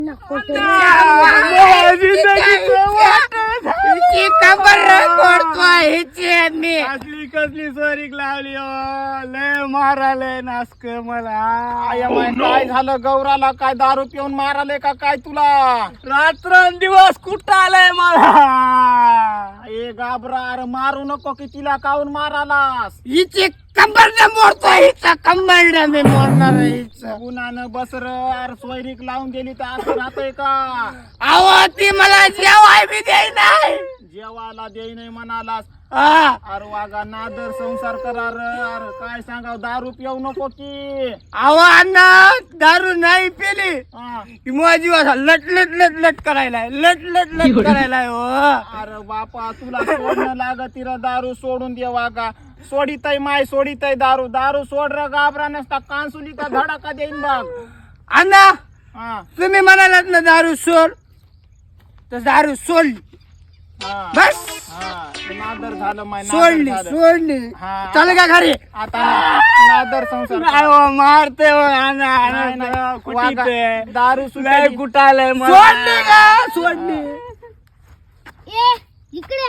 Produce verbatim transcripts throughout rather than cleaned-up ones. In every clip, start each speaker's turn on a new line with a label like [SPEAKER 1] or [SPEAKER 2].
[SPEAKER 1] असली कसली सोरीक लावली हो लय माराले नासक मला काय झालं गौराला काय दारू पिऊन माराले का काय तुला रात्रंदिवस कुठं आलंय मला ए गाबरा अरे मारू नको की तिला काऊन मारालास
[SPEAKER 2] हिचे कंबरने मोडतो हिचा कंबरने मी मोडणार हिचं
[SPEAKER 1] पुन्हानं बसर अरे सोयरीक लावून गेली तर असं राहतंय का
[SPEAKER 2] अहो ती मला जेवाय बी देई नाही
[SPEAKER 1] जेवायला देई नाही म्हणालास
[SPEAKER 2] हा
[SPEAKER 1] अरे वागा नादर संसार करा अरे काय सांगाव दारू पिऊ नको की
[SPEAKER 2] अहो अण्णा दारू नाही पेली
[SPEAKER 1] हा.
[SPEAKER 2] की माझी वासा लट लट लट लट करायला लट लट लट करायला हो
[SPEAKER 1] अरे बापा तुला सोडणं लागत तिला दारू सोडून दे वागा सोडितय माय सोडितय दारू दारू सोड र गाबरा नसता कांसुलीचा धडाका देईन बघ
[SPEAKER 2] अण्णा
[SPEAKER 1] हा
[SPEAKER 2] तुम्ही म्हणालात ना दारू सोड तर दारू सोडली
[SPEAKER 1] हा
[SPEAKER 2] बस
[SPEAKER 1] हा नादर झालं माय नादर
[SPEAKER 2] सोडली
[SPEAKER 1] झालं.
[SPEAKER 2] सोडली
[SPEAKER 1] हा.
[SPEAKER 2] चाल का घरी
[SPEAKER 1] आता ना- नादर संसार
[SPEAKER 2] नाही हो, मारते हो, अण्णा,
[SPEAKER 1] नाही,
[SPEAKER 2] अण्णा,
[SPEAKER 1] नाही.
[SPEAKER 2] कुठे
[SPEAKER 1] वागा.
[SPEAKER 2] ते?
[SPEAKER 1] दारू
[SPEAKER 2] लय
[SPEAKER 1] सुटायली.
[SPEAKER 2] कुटालय मला. सोडली का सोडली
[SPEAKER 3] ए इकडे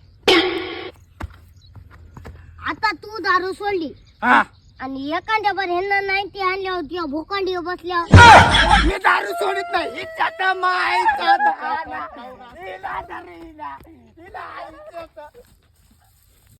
[SPEAKER 3] आता तू दारू सोडली
[SPEAKER 2] हा
[SPEAKER 3] आणि एखाद्या बर ह्यांना नाही ती आणल्यावर किंवा भोकांडी बसल्यावर
[SPEAKER 2] मी दारू सोडत नाही हिचा तर मायचा दारू. हिला तर हिला हिला आईचं तर.